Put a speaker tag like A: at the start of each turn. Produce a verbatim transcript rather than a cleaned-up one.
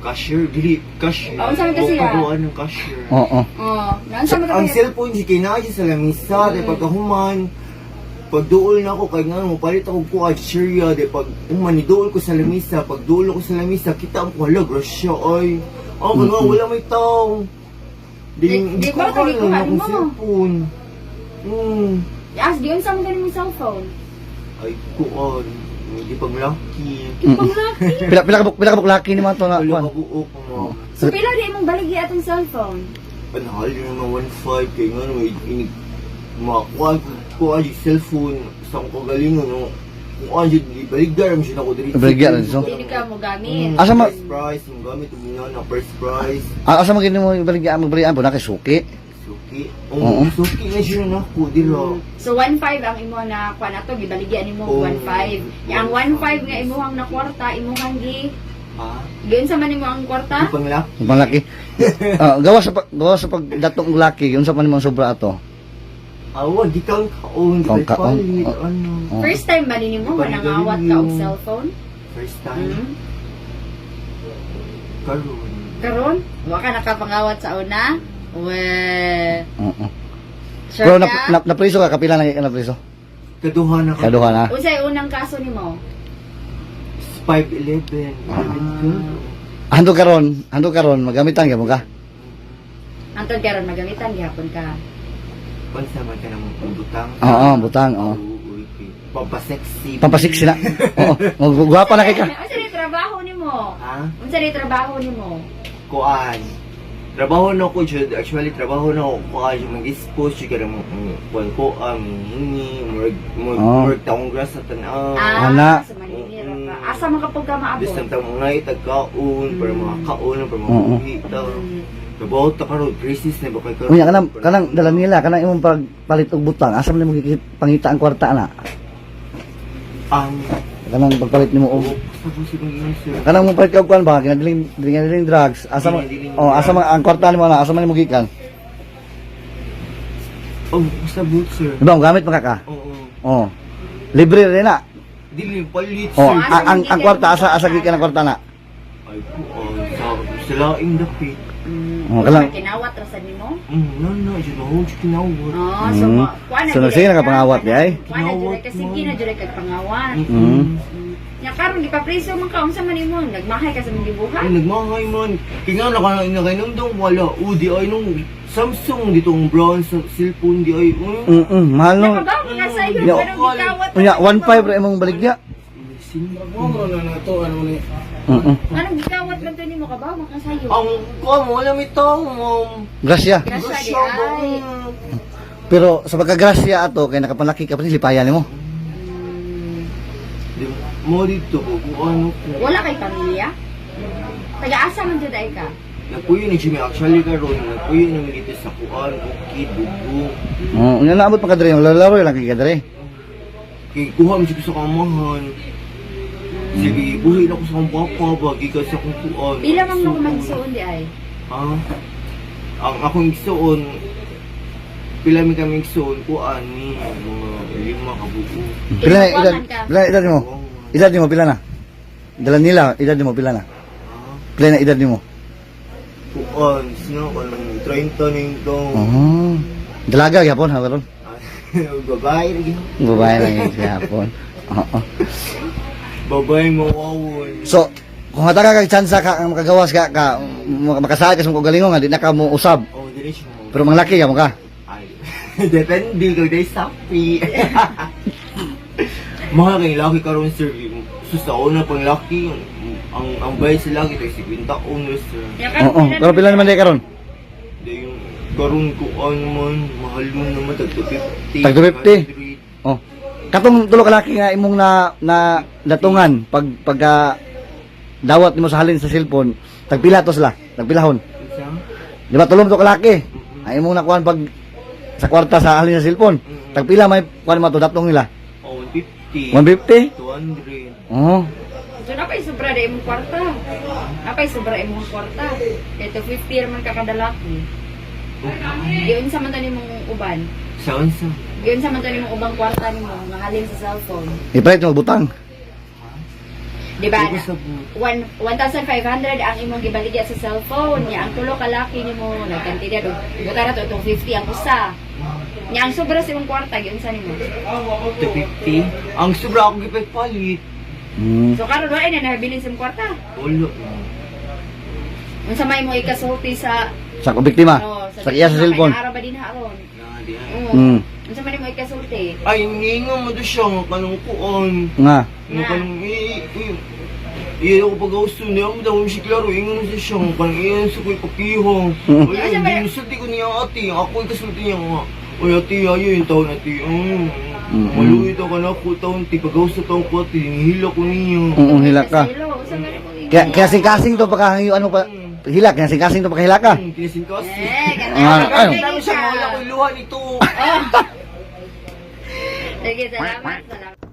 A: Cashier, dili, cashier.
B: Oh, unsa man kasi ya?
A: Pagkuhan ng cashier.
C: Oo.
B: Oh, nansa man
A: Ang
B: ka.
A: cellphone, si kinaya sa lamisa, mm. de pagkahuman, pagduol na ako, kaya nga, palit ako ko cashier, de pag umaniduol ko sa lamisa, pagduol ko sa lamisa, kita ang pala, grasya, ay. Oh, kaya nga, wala may tao. Di,
B: Di-
A: di
B: di
A: ko
B: ba
A: kaya
B: tagi-kuhanin
A: akong
B: mo?
A: cellphone. Hmm.
B: Yes, di unsa man ganing cellphone.
A: Ay, kuon. Hindi pag lucky.
B: Panglaki.
C: Pila pila ka bu- pila ka buklaki ni mga to nga
A: Wala
C: kuan.
A: ka buok mo.
B: So pila di imong baligi atong cellphone?
A: Panahal yun mga one point five kaya nga may inig makakuha ko ang cellphone sa akong kagalingon no. Kung ano yun, ibaligdar mo siya ako dito.
C: Ibaligdar na siya?
B: Dili ka mo gamit.
C: Asa ma-
A: First prize, yung gamit, yung ginawa na first prize.
C: Ah, asa magini mo ibaligyan mo balian po na kay suki.
A: Suki.
C: Oo.
A: Oo, suki na siya na ako, dilo.
B: So one point five ang imo na kuan ato gibaligyan nimo
A: Oh.
B: one point five. Yang one point five nga imuhang na kwarta imuhang gi
A: Ha?
B: giun sa man nimo ang kwarta?
A: Yung panglaki.
C: Ang panglaki. Ah, gawa sa pag- gawa sa pagdatong laki, unsa pa nimong sobra ato?
A: Awa, di kang kaon, di
C: Kang
A: kang
C: kaon.
A: palit,
C: Oh.
A: ano.
C: Oh.
B: First time ba nimo nga nangawat ka og cellphone?
A: First time.
B: Hmm?
A: Karoon.
B: Karon, wa ka nakapangawat sa una? We.
C: Oo.
B: Sure
C: Pero na,
B: ka?
C: na, na priso ka kapila na na priso.
A: Kaduha na ka.
C: Kaduha na.
B: Unsay unang kaso nimo?
A: five eleven.
C: Ah. Hando karon, hando karon magamitan gyud mo ka.
B: Antod karon magamitan gihapon ka.
A: Pansa man ka namang pambutang.
C: Oo, butang, oo.
A: Oo, okay. Pampasexy.
C: Pampasiksi na. Oo, magwapa na kay ka.
B: Unsa ni trabaho nimo?
A: Ha?
B: Unsa ni trabaho nimo?
A: Kuan. Trabaho na ko, Jud. Actually, trabaho na ko. Kuan, yung mag-expose, yung kada mo, kuan ko, um, hingi, murag, murag,
C: Oh.
A: murag taong grass sa tanaw.
B: Ah,
C: Ana.
B: sa Manila ka. Asa man kapag ka maabot?
A: Bisang taong mga itagkaon, para mga kaon, para mga
C: Oo.
A: buhi, daw.
B: Mm.
A: Trabaho ta karon, crisis na ba kay karon?
C: Unya kanang kanang dala nila kanang imong pagpalit og butang, asa man nimo gikit- pangita ang kwarta na.
A: Ang,
C: Kanang pagpalit nimo og
A: sa po si kong sir.
C: kanang mo palit ka og kuan ba kinadiling dinadiling drugs, asa man oh asa man ang kwarta nimo na asa man nimo gikan.
A: Oh, sa boot, sir.
C: Diba, gamit man ka ka?
A: Oo.
C: Oh. Libre rin na.
A: Dili palit,
C: Oh,
A: sir.
B: asa
C: ang ang,
B: man
C: ang
B: gikan
C: kwarta
B: ang
C: asa asa
B: kwarta
C: gikan ang
B: na?
C: kwarta na.
A: Ay, kuan, sa, sa laing dapit.
B: Mm.
C: Oh,
B: Unsa
C: kalang-
B: kinawat ra sa nimo?
A: Mm, no, no, yun ako, yung kinawat.
B: Oh, so
C: Mm.
B: ma- kuha na
C: So,
B: jud
C: sige
B: ka.
C: nakapangawat, di ay?
B: Kuha na jud ka, sige na jud kay pangawat.
C: Mm.
B: Mm. Nya karon gipapriso man ka unsa man imo? Nagmahay ka sa mga gibuhat?
A: Ay, nagmahay man. Kaya nga, naka- nakainomdong wala. O, di ay nung Samsung dito ang brown sa cellphone, di ay, mm.
C: Mm, mm mahal no.
B: Nakabaw ka sa iyo,
C: Yo.
B: pero gikawat.
C: Unya one point five ra imong baligya.
A: Sinabang na na to, ano ni?
C: Mm. mm.
B: Anong gikawat man to nimo kabaw man ka sa iyo?
A: Ang, kuha mo, wala may tao, ma'am.
C: Grasya.
B: Grasya di
A: Grasya ba?
B: ay.
C: Pero sa pagkagrasya ato kay nakapanlaki ka pa lipayan nimo.
B: Mm.
A: Di mo dito ko, kung ano ko.
B: Wala kay pamilya? Taga-asa man jud ay ka?
A: Nagpuyo ni Jimmy, actually karon nagpuyo naman dito sa kuan, bukid, bugo.
C: Oh, unya naabot pa kadre, lalaro lang kay kadre.
A: Kaya kuha mo siya sa kamahan. Sige, buhay na ko sa akong papa, bagi ka sa akong kuan.
B: Pila man mo magsuon di ay?
A: Ah, ang akong igsoon, pila mi kami igsoon, kuan ni, mga lima ka buo.
C: Pila na edad?
B: Inuwaman ka?
C: Pila na edad mo? Edad nimo pila na? Dala nila, edad nimo pila na?
A: Ah,
C: Pila na edad nimo?
A: kuan, sino ka nang thirty na yung tong.
C: Oh. Dalaga gyapon ha karon.
A: Babae lagi.
C: Babae lang yun siya hapon. Oo.
A: Babae mawawon.
C: So, kung hata ka kag chance ka ang makagawas ka ka mak- makasaad ka sa mga galingon nga di na ka mo usab.
A: Oh, dili siya mo.
C: Pero manglaki ka mo ka.
A: Ay, depende kung day sapi. Mga kay laki karon sir. So sa una pang laki, ang ang bayad sa laki tay fifty taon sir.
B: Ya karon
C: Oo. Pero pila naman day karon?
A: Day yung karon ko ano man, mahal mo naman tag two fifty.
C: Tag two fifty? Oh. Katong tulo ka laki nga imong na na datungan pag pagka dawat nimo sa halin sa cellphone, tagpila to sila, tagpilahon.
A: Isa?
C: Di ba tulong to ka laki? Ay imong nakuan pag sa kwarta sa halin sa cellphone. Tagpila may kuan mo to datong nila.
A: Oh, one fifty.
C: one fifty?
A: two hundred.
C: Oh.
B: So napay sobra di imong kwarta. Napay sobra imong kwarta. Kay two fifty ra man ka kada laki. Giun sa man to nimong uban.
A: Saan sa?
B: Giun sa man to nimong ubang kwarta nimo nga halin sa cellphone.
C: Ipalit mo butang.
B: Di ba?
A: Ito sa bu-
B: one thousand five hundred ang imong gibaligya sa cellphone niya. Ang tulo ka laki nimo nagkantidad og butara to itong fifty ang usa. Niya ang sobra sa imong kwarta gyud sa nimo.
A: two fifty. Ang sobra akong gipay-palit.
C: Mm.
B: So karon wala na nabilin sa imong kwarta.
A: Wala.
B: Unsa may mo ikasulti sa
C: Sa biktima.
B: ano,
C: Sa iya sa cellphone.
B: Ara ba din haron?
A: Na, di ha.
B: Oo.
C: Mm.
B: Unsa may mo ikasulti?
A: Ay, ninga mo doon siya, nga kanong kuon.
C: Nga.
A: Nga kanong, i, i, iya ako pag-austo niya, ang daw siya klaro, ingon siya siya, nga kanong iyan sa ko'y papihong.
C: Mm.
A: Ay, hindi, nasulti ko niya ate, ako ay kasulti niya nga. Uy, ate, ayo yung taon ate, um,
C: Mm.
A: maluwi daw ka na ako taon, ti, pag-austo taon ko ate, nihila ko niya.
C: Mm, hila ka.
B: Unsa may mo
C: Kaya, kaya sing-kasing to pagkahangiyo ano pa, hilak, kaya sing-kasing to pagkahilak ka.
A: Hmm, tinasin kasi.
B: Eh,
C: Ah,
B: ganun.
C: ano?
A: Ano siya, mawala ko yung luha nito.
B: Sige, salamat. Salamat.